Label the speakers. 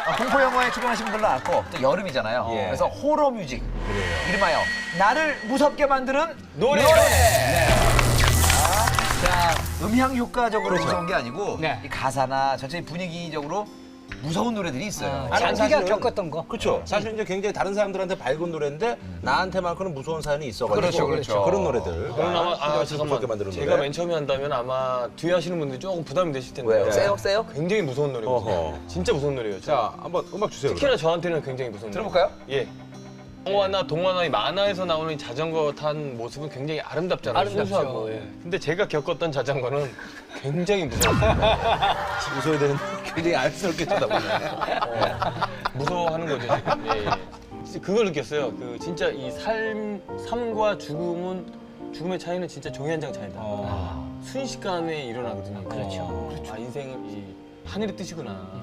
Speaker 1: 공포 영화에 출연하신 분들도 많고 또 여름이잖아요.
Speaker 2: 예.
Speaker 1: 그래서 호러 뮤직. 이름하여 나를 무섭게 만드는
Speaker 3: 노래.
Speaker 1: 네. 자, 음향 효과적으로 무서운 게 아니고
Speaker 4: 네.
Speaker 1: 이 가사나 전체 분위기적으로 무서운 노래들이 있어요.
Speaker 4: 자기가 겪었던 거.
Speaker 2: 그렇죠. 사실 이제 굉장히 다른 사람들한테 밝은 노래인데 나한테만큼은 무서운 사연이 있어가지고
Speaker 1: 그렇죠.
Speaker 2: 그런 노래들.
Speaker 3: 저는 아마
Speaker 2: 잠깐만
Speaker 3: 잠깐만
Speaker 2: 만드는
Speaker 3: 제가
Speaker 2: 노래.
Speaker 3: 맨 처음에 한다면 아마 뒤에 하시는 분들이 조금 부담이 되실 텐데
Speaker 2: 왜요? 세요?
Speaker 1: 세요?
Speaker 3: 굉장히 무서운 노래거든요.
Speaker 2: 어허.
Speaker 3: 진짜 무서운 노래예요.
Speaker 2: 자, 한번 음악 주세요.
Speaker 3: 특히나 저한테는 굉장히 무서운
Speaker 1: 들어볼까요?
Speaker 3: 노래. 예. 영화나 동화나 이 만화에서 나오는 이 자전거 탄 모습은 굉장히 아름답잖아요.
Speaker 4: 아름답죠.
Speaker 3: 순수하고. 예. 근데 제가 겪었던 자전거는 굉장히 무서웠어요.
Speaker 2: 웃어야 되는데 굉장히 알스럽게 쳐다보네.
Speaker 3: 무서워하는 거죠 지금. 예, 예. 진짜 그걸 느꼈어요. 그 진짜 이 삶과 죽음의 차이는 진짜 종이 한 장 차이다. 순식간에 일어나거든요.
Speaker 4: 그렇죠.
Speaker 3: 아 인생은 이 하늘의 뜻이구나.